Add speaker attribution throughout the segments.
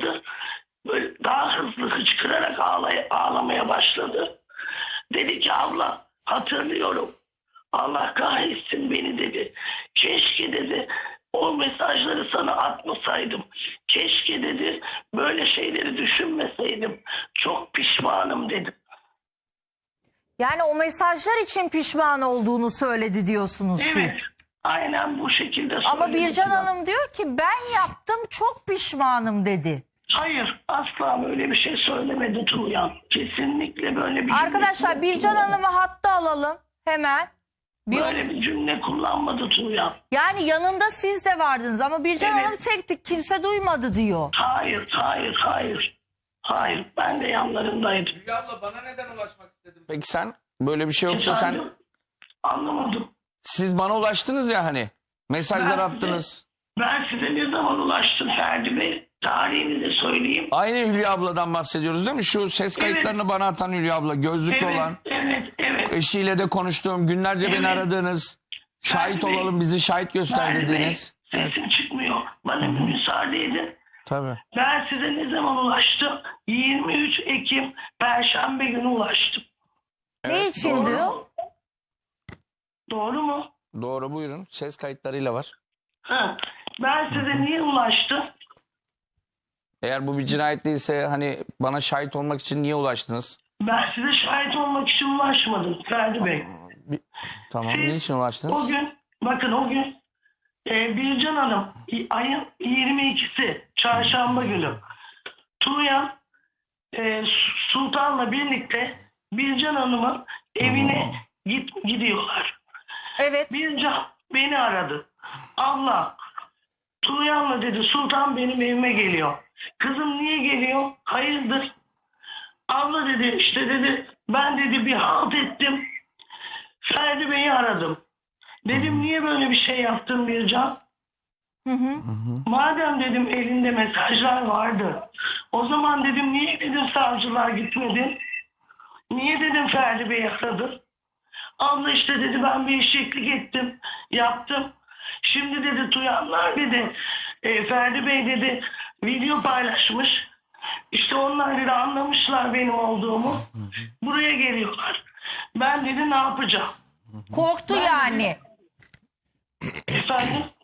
Speaker 1: başladı. Böyle daha hızlı hıçkırarak ağlamaya başladı. Dedi ki abla hatırlıyorum. Allah kahretsin beni dedi. Keşke dedi o mesajları sana atmasaydım. Keşke dedi böyle şeyleri düşünmeseydim. Çok pişmanım dedim.
Speaker 2: Yani o mesajlar için pişman olduğunu söyledi diyorsunuz
Speaker 1: Evet.
Speaker 2: siz.
Speaker 1: Aynen bu şekilde
Speaker 2: Ama
Speaker 1: söyledi.
Speaker 2: Bircan Hanım diyor ki ben yaptım çok pişmanım dedi.
Speaker 1: Hayır, asla böyle bir şey söylemedi Tuğyan. Kesinlikle böyle bir
Speaker 2: Arkadaşlar
Speaker 1: cümle
Speaker 2: Bircan
Speaker 1: kullanmadı.
Speaker 2: Hanım'ı hatta alalım hemen.
Speaker 1: Böyle bir cümle kullanmadı Tuğyan.
Speaker 2: Yani yanında siz de vardınız ama Bircan
Speaker 1: Evet.
Speaker 2: Hanım tektik kimse duymadı diyor.
Speaker 1: Hayır. Hayır, ben de yanlarındaydım.
Speaker 3: Hülya abla bana neden ulaşmak istedin?
Speaker 4: Peki sen böyle bir şey yoksa sen
Speaker 1: Efendim? Anlamadım.
Speaker 4: siz bana ulaştınız ya hani mesajlar
Speaker 1: Ben
Speaker 4: attınız.
Speaker 1: Ben size ne zaman ulaştım Ferdi Bey? Tarihini de söyleyeyim.
Speaker 4: Aynı Hülya abladan bahsediyoruz değil mi? Şu ses kayıtlarını bana atan Hülya abla, gözlüklü olan,
Speaker 1: Evet.
Speaker 4: eşiyle de konuştuğum, günlerce beni
Speaker 1: Evet.
Speaker 4: aradığınız, şahit
Speaker 1: Ferdi Bey.
Speaker 4: olalım bizi şahit göster
Speaker 1: Ferdi Bey,
Speaker 4: dediğiniz.
Speaker 1: sesim çıkmıyor. Bana bir müsaade edin.
Speaker 4: Tabii.
Speaker 1: Ben size ne zaman ulaştım? 23 Ekim Perşembe günü ulaştım.
Speaker 2: Ne için
Speaker 1: Doğru
Speaker 2: diyor?
Speaker 1: mu? Doğru mu?
Speaker 4: Doğru, buyurun. Ses kayıtlarıyla var.
Speaker 1: Ha. Ben size niye ulaştım?
Speaker 4: Eğer bu bir cinayet değilse hani bana şahit olmak için niye ulaştınız?
Speaker 1: Ben size şahit olmak için ulaşmadım Ferdi Bey.
Speaker 4: Tamam,
Speaker 1: Siz
Speaker 4: niçin ulaştınız?
Speaker 1: O gün, bakın o gün Bircan Hanım ayın 22'si çarşamba günü Tuğyan Sultan'la birlikte Bircan Hanım'ın evine gidiyorlar.
Speaker 2: Evet.
Speaker 1: Bircan beni aradı. Abla Tuğyan'la dedi Sultan benim evime geliyor. Kızım niye geliyor? Hayırdır? Abla dedi işte dedi ben dedi bir halt ettim. Ferdi Bey'i aradım. Dedim niye böyle bir şey yaptın Bircan? Madem dedim elinde mesajlar vardı. O zaman dedim niye dedim savcılar gitmedin? Niye dedim Ferdi Bey'i aradın? Abla işte dedi ben bir eşeklik ettim. Yaptım. Şimdi dedi Tuyanlar dedi Ferdi Bey dedi video paylaşmış. İşte onlar dedi anlamışlar benim olduğumu. Buraya geliyorlar. Ben dedi ne
Speaker 2: Korktu yani.
Speaker 1: Efendim?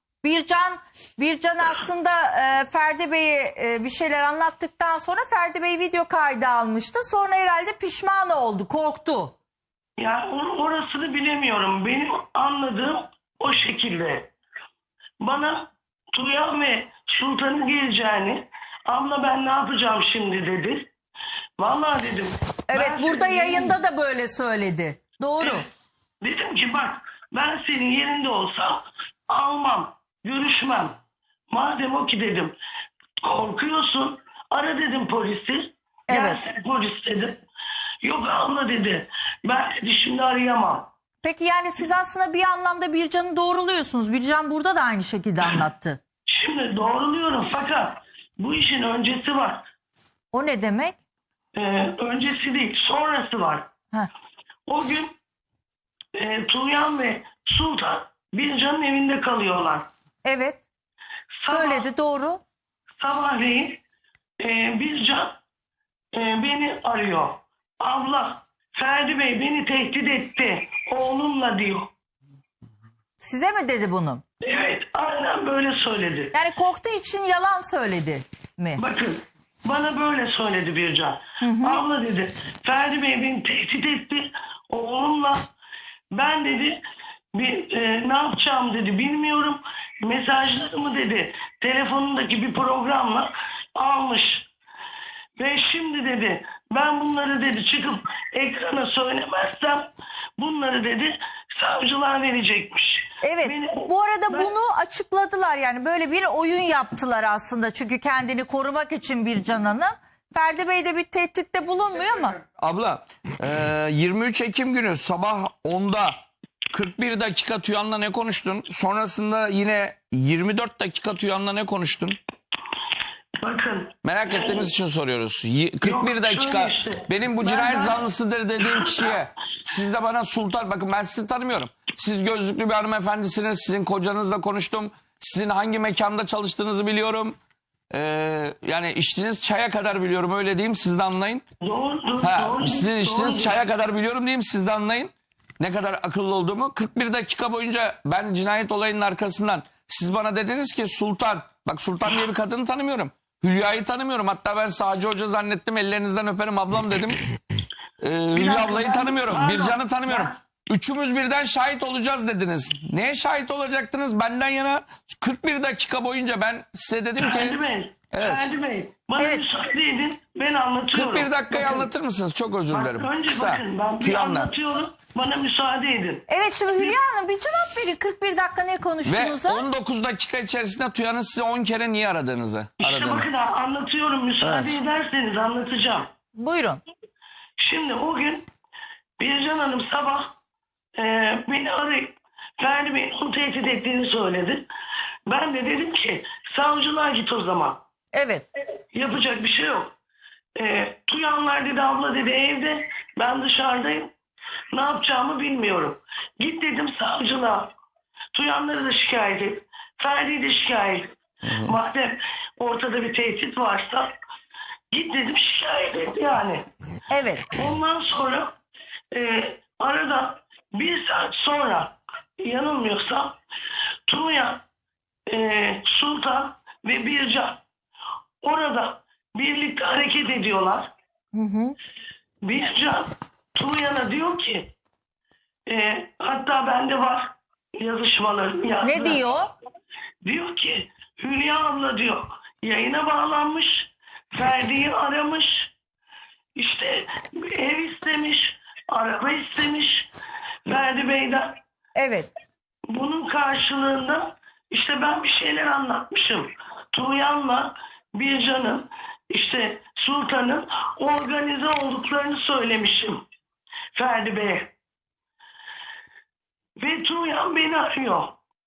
Speaker 2: Bircan aslında Ferdi Bey'e bir şeyler anlattıktan sonra Ferdi Bey video kaydı almıştı. Sonra herhalde pişman oldu, korktu.
Speaker 1: Yani orasını bilemiyorum. Benim anladığım o şekilde. Bana Tuğyan ve Sultan'ın geleceğini abla ben ne yapacağım şimdi dedi. Vallahi dedim.
Speaker 2: Evet,
Speaker 1: ben
Speaker 2: burada
Speaker 1: senin
Speaker 2: yayında da böyle söyledi. Doğru.
Speaker 1: Evet. Dedim ki bak ben senin yerinde olsam almam, görüşmem. Madem o ki dedim korkuyorsun ara dedim polisi.
Speaker 2: Evet.
Speaker 1: Gelsin polis dedim. Yok abla dedi ben dedi şimdi arayamam.
Speaker 2: Peki yani siz aslında bir anlamda Bircan'ı doğruluyorsunuz. Bircan burada da aynı şekilde anlattı.
Speaker 1: Şimdi doğruluyorum fakat bu işin öncesi var.
Speaker 2: O ne demek?
Speaker 1: Öncesi değil sonrası var.
Speaker 2: Heh.
Speaker 1: O gün Tuğyan ve Sultan Bircan'ın evinde kalıyorlar.
Speaker 2: Evet. Söyledi, doğru.
Speaker 1: Sabahleyin Bircan beni arıyor. Abla Ferdi Bey beni tehdit etti. Oğlumla diyor.
Speaker 2: Size mi dedi bunu?
Speaker 1: Evet aynen böyle söyledi.
Speaker 2: Yani korktuğu için yalan söyledi mi?
Speaker 1: Bakın bana böyle söyledi Bircan. Abla dedi Ferdi Bey beni tehdit etti. Oğlumla ben dedi ne yapacağım dedi bilmiyorum. Mesajlarımı dedi telefonundaki bir programla almış. Ve şimdi dedi ben bunları dedi çıkıp ekrana söylemezsem bunları dedi savcılar verecekmiş.
Speaker 2: Evet. Bu arada bunu açıkladılar, yani böyle bir oyun yaptılar aslında. Çünkü kendini korumak için Bircan Hanım. Ferdi Bey de bir tehditte bulunmuyor mu?
Speaker 4: Abla 23 Ekim günü sabah 10'da 41 dakika Tuyan'la ne konuştun? Sonrasında yine 24 dakika Tuyan'la ne konuştun?
Speaker 1: Bakın.
Speaker 4: Merak ettiğimiz için soruyoruz. 41
Speaker 1: Yok,
Speaker 4: dakika
Speaker 1: şöyle işte.
Speaker 4: benim bu
Speaker 1: Ben-
Speaker 4: cinayet zanlısıdır dediğim kişiye siz de bana Sultan, bakın ben sizi tanımıyorum. Siz gözlüklü bir hanımefendisiniz. Sizin kocanızla konuştum. Sizin hangi mekanda çalıştığınızı biliyorum. yani içtiğiniz çaya kadar biliyorum, öyle diyeyim, siz de anlayın.
Speaker 1: Doğru.
Speaker 4: Sizin içtiğiniz
Speaker 1: doğru.
Speaker 4: çaya kadar biliyorum diyeyim, siz de anlayın ne kadar akıllı olduğumu. 41 dakika boyunca ben cinayet olayının arkasından, siz bana dediniz ki Sultan, bak Sultan diye bir kadını tanımıyorum. Hülya'yı tanımıyorum. Hatta ben Sağcı Hoca zannettim, ellerinizden öperim ablam dedim. Hülya
Speaker 1: dakika,
Speaker 4: ablayı
Speaker 1: ben-
Speaker 4: tanımıyorum.
Speaker 1: pardon,
Speaker 4: Bircan'ı tanımıyorum.
Speaker 1: ben-
Speaker 4: Üçümüz birden şahit olacağız dediniz. Neye şahit olacaktınız? Benden yana 41 dakika boyunca ben size dedim ki...
Speaker 1: Ferdi Bey.
Speaker 4: Evet.
Speaker 1: Ferdi Bey. Bana
Speaker 2: Evet.
Speaker 1: müsaade edin. Ben anlatıyorum.
Speaker 4: 41 dakikayı
Speaker 1: Bakın,
Speaker 4: anlatır mısınız? Çok özür dilerim.
Speaker 1: Önce
Speaker 4: Kısa.
Speaker 1: bakın ben bir
Speaker 4: Tüyanla.
Speaker 1: anlatıyorum. Bana müsaade edin.
Speaker 2: Evet, şimdi Hülya Hanım bir cevap verin. 41 dakika ne
Speaker 4: Ve
Speaker 2: konuştuğunuza.
Speaker 4: 19 dakika içerisinde Tuyan'ın size 10 kere niye aradığınızı.
Speaker 1: İşte bakın anlatıyorum. Müsaade
Speaker 4: Evet.
Speaker 1: ederseniz anlatacağım.
Speaker 2: Buyurun.
Speaker 1: Şimdi o gün Bircan Hanım sabah beni arayıp Ferdi Bey'in onu tehdit ettiğini söyledi. Ben de dedim ki savcılığa git o zaman.
Speaker 2: Evet.
Speaker 1: Yapacak bir şey yok. Tuyanlar dedi, abla dedi evde, ben dışarıdayım. Ne yapacağımı bilmiyorum. Git dedim savcılığa. Tuyanları da şikayet et. Ferdi'yi de şikayet et. Madem ortada bir tehdit varsa git dedim şikayet et yani.
Speaker 2: Evet.
Speaker 1: Ondan sonra arada bir saat sonra yanılmıyorsam Tuğyan, Sultan ve Bircan orada birlikte hareket ediyorlar. Bircan Tuğyan'a diyor ki hatta bende var yazışmalarım.
Speaker 2: Ne diyor?
Speaker 1: Diyor ki Hülya abla diyor yayına bağlanmış, Ferdi'yi aramış, işte ev istemiş, araba istemiş Ferdi Bey'den.
Speaker 2: Evet.
Speaker 1: Bunun karşılığında işte ben bir şeyler anlatmışım. Tuğyan'la Bircan'ın, işte Sultan'ın organize olduklarını söylemişim Ferdi Bey'e. Ve Tuğyan beni arıyor.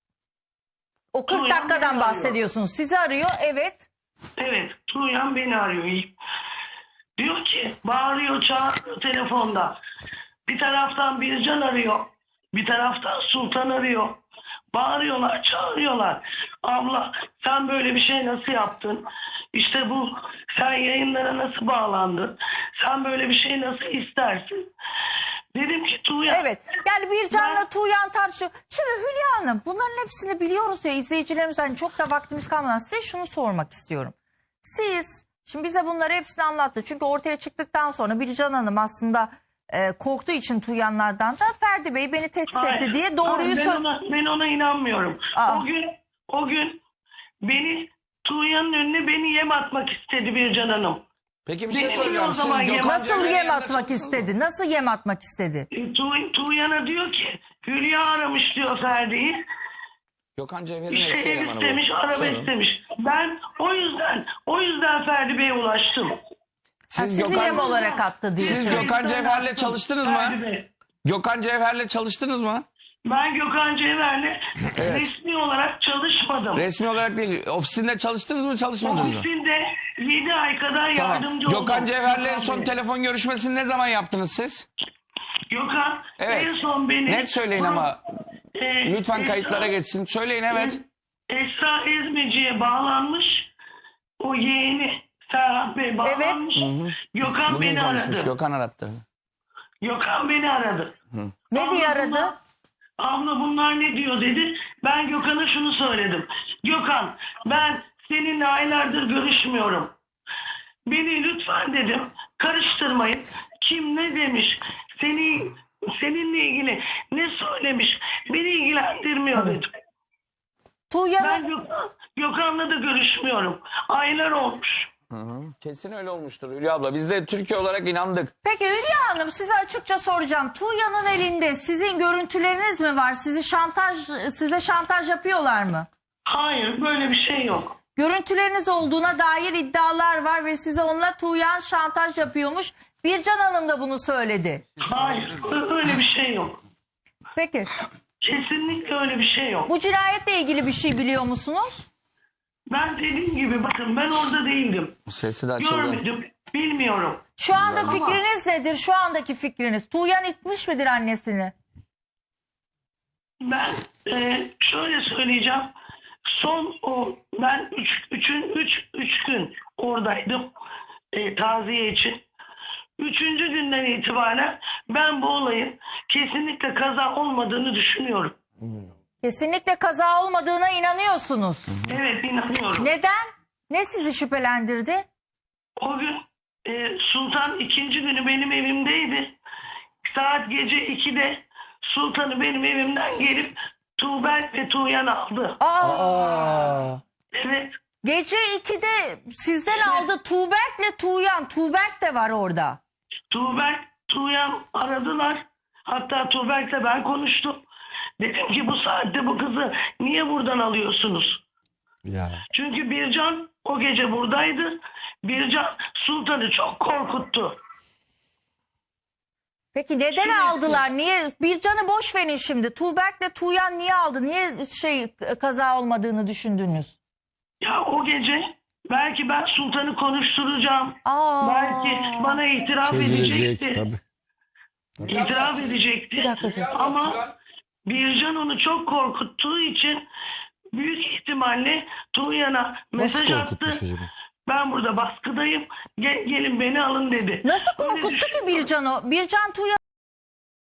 Speaker 2: O 40
Speaker 1: Tuğyan
Speaker 2: dakikadan
Speaker 1: beni
Speaker 2: bahsediyorsunuz. Sizi arıyor. Evet.
Speaker 1: Evet, Tuğyan beni arıyor. Diyor ki, bağırıyor, çağırıyor telefonda. Bir taraftan Bircan arıyor, bir taraftan Sultan arıyor. Bağırıyorlar, çağırıyorlar. Abla sen böyle bir şey nasıl yaptın? İşte bu, sen yayınlara nasıl bağlandın? Sen böyle bir şey nasıl istersin? Dedim ki Tuğyan...
Speaker 2: Evet. Yani Bircan'la Tuğyan tartışıyor. Şimdi Hülya Hanım, bunların hepsini biliyoruz ya, izleyicilerimizden çok da vaktimiz kalmadan size şunu sormak istiyorum. Siz şimdi bize bunları hepsini anlattı. Çünkü ortaya çıktıktan sonra Bircan Hanım aslında korktuğu için Tuğyanlardan da Ferdi Bey beni tehdit etti diye doğruyu
Speaker 1: Hayır,
Speaker 2: söyledi.
Speaker 1: ben ona inanmıyorum.
Speaker 2: Aa.
Speaker 1: O gün beni Tuğyan'ın önüne beni yem atmak istedi Bircan Hanım.
Speaker 4: Peki bir şey
Speaker 1: Benim
Speaker 4: soracağım.
Speaker 1: o
Speaker 4: Siz
Speaker 1: zaman
Speaker 4: Gökhan
Speaker 2: Nasıl
Speaker 4: Cevher'in
Speaker 2: yem
Speaker 4: yanında
Speaker 2: atmak
Speaker 4: çalıştınız mı?
Speaker 2: istedi? Nasıl yem atmak istedi?
Speaker 1: Tuğyan'a diyor ki Hülya aramış diyor Ferdi'yi.
Speaker 4: Gökhan Cevher'in
Speaker 1: İşte
Speaker 4: eski
Speaker 1: ev
Speaker 4: elemanı bu.
Speaker 1: istemiş, araba
Speaker 4: Sorun.
Speaker 1: istemiş. Ben o yüzden Ferdi Bey'e ulaştım.
Speaker 4: Siz
Speaker 2: Sizi yem olarak attı diye
Speaker 4: Siz
Speaker 2: söylüyor.
Speaker 4: Gökhan Cevher'le çalıştınız mı?
Speaker 1: Ferdi Bey.
Speaker 4: Gökhan Cevher'le çalıştınız mı?
Speaker 1: Ben Gökhan Cevher'le
Speaker 4: Evet.
Speaker 1: resmi olarak çalışmadım.
Speaker 4: Resmi olarak değil. Ofisinde çalıştınız mı, çalışmadınız mı?
Speaker 1: Ofisinde 7 ay kadar
Speaker 4: Tamam.
Speaker 1: yardımcı oldum.
Speaker 4: Gökhan Cevher'le en son
Speaker 1: Bey.
Speaker 4: telefon görüşmesini ne zaman yaptınız siz?
Speaker 1: Gökhan
Speaker 4: Evet.
Speaker 1: en son beni...
Speaker 4: Net söyleyin ama lütfen
Speaker 1: Esra-
Speaker 4: kayıtlara geçsin. Söyleyin, evet.
Speaker 1: Esra Ezmeci'ye bağlanmış. O yeğeni Serhat Bey bağlanmış. Gökhan
Speaker 4: Bugün
Speaker 1: beni
Speaker 4: konuşmuş.
Speaker 1: aradı.
Speaker 4: Gökhan arattı.
Speaker 1: Gökhan beni aradı.
Speaker 2: Ne diye
Speaker 1: Abla
Speaker 2: aradı?
Speaker 1: bunlar- Abla bunlar ne diyor dedi. Ben Gökhan'a şunu söyledim. Gökhan ben seninle aylardır görüşmüyorum. Beni lütfen dedim karıştırmayın. Kim ne demiş? Seninle ilgili ne söylemiş? Beni ilgilendirmiyor dedim.
Speaker 2: Tuğyan'ın
Speaker 1: Ben Gökhan'la da görüşmüyorum. Aylar olmuş.
Speaker 4: Kesin öyle olmuştur Hülya abla. Biz de Türkiye olarak inandık.
Speaker 2: Peki Hülya Hanım, size açıkça soracağım. Tuğyan'ın elinde sizin görüntüleriniz mi var? Size şantaj yapıyorlar mı?
Speaker 1: Hayır böyle bir şey yok.
Speaker 2: Görüntüleriniz olduğuna dair iddialar var ve size onunla Tuğyan şantaj yapıyormuş. Bircan Hanım da bunu söyledi.
Speaker 1: Hayır öyle bir şey yok.
Speaker 2: Peki
Speaker 1: Kesinlikle öyle bir şey yok.
Speaker 2: bu cinayetle ilgili bir şey biliyor musunuz?
Speaker 1: Ben dediğim gibi bakın ben orada değildim.
Speaker 4: Sesi de açıldı.
Speaker 1: Görmedim. Bilmiyorum.
Speaker 2: Şu anda fikriniz nedir? Şu andaki fikriniz. Tuğyan itmiş midir annesini?
Speaker 1: Ben şöyle söyleyeceğim. Son ben üç gün oradaydım taziye için. 3. günden itibaren ben bu olayın kesinlikle kaza olmadığını düşünüyorum.
Speaker 2: Kesinlikle kaza olmadığına inanıyorsunuz.
Speaker 1: Evet, inanıyorum.
Speaker 2: Neden? Ne sizi şüphelendirdi?
Speaker 1: O gün Sultan 2. günü benim evimdeydi. Saat gece 2'de Sultan'ı benim evimden gelip Tuğberk ve Tuğyan aldı. Evet.
Speaker 2: Gece 2'de sizden aldı Tuğberk'le Tuğyan. Tuğberk de var orada.
Speaker 1: Tuğberk, Tuğyan aradılar. Hatta Tuğberk'le ben konuştum. Dedim ki bu saatte bu kızı niye buradan alıyorsunuz?
Speaker 5: Ya.
Speaker 1: Çünkü Bircan o gece buradaydı. Bircan Sultan'ı çok korkuttu.
Speaker 2: Peki neden aldılar? Niye? Bircan'ı boş verin şimdi. Tuğberk'le Tuğyan niye aldı? Niye kaza olmadığını düşündünüz?
Speaker 1: Ya o gece belki ben Sultan'ı konuşturacağım. Belki bana itiraf
Speaker 5: Çözülecek
Speaker 1: edecekti.
Speaker 5: tabii.
Speaker 1: İtiraf edecekti.
Speaker 2: Bir dakika.
Speaker 1: Ama Bircan onu çok korkuttuğu için büyük ihtimalle Tuğyan'a
Speaker 5: Nasıl
Speaker 1: mesaj attı.
Speaker 5: korkutmuş acaba?
Speaker 1: Ben burada baskıdayım. Gelin beni alın dedi.
Speaker 2: Nasıl
Speaker 1: Öyle
Speaker 2: korkuttu
Speaker 1: düşün-
Speaker 2: ki Bircan'ı? Bircan Tuğyan'ı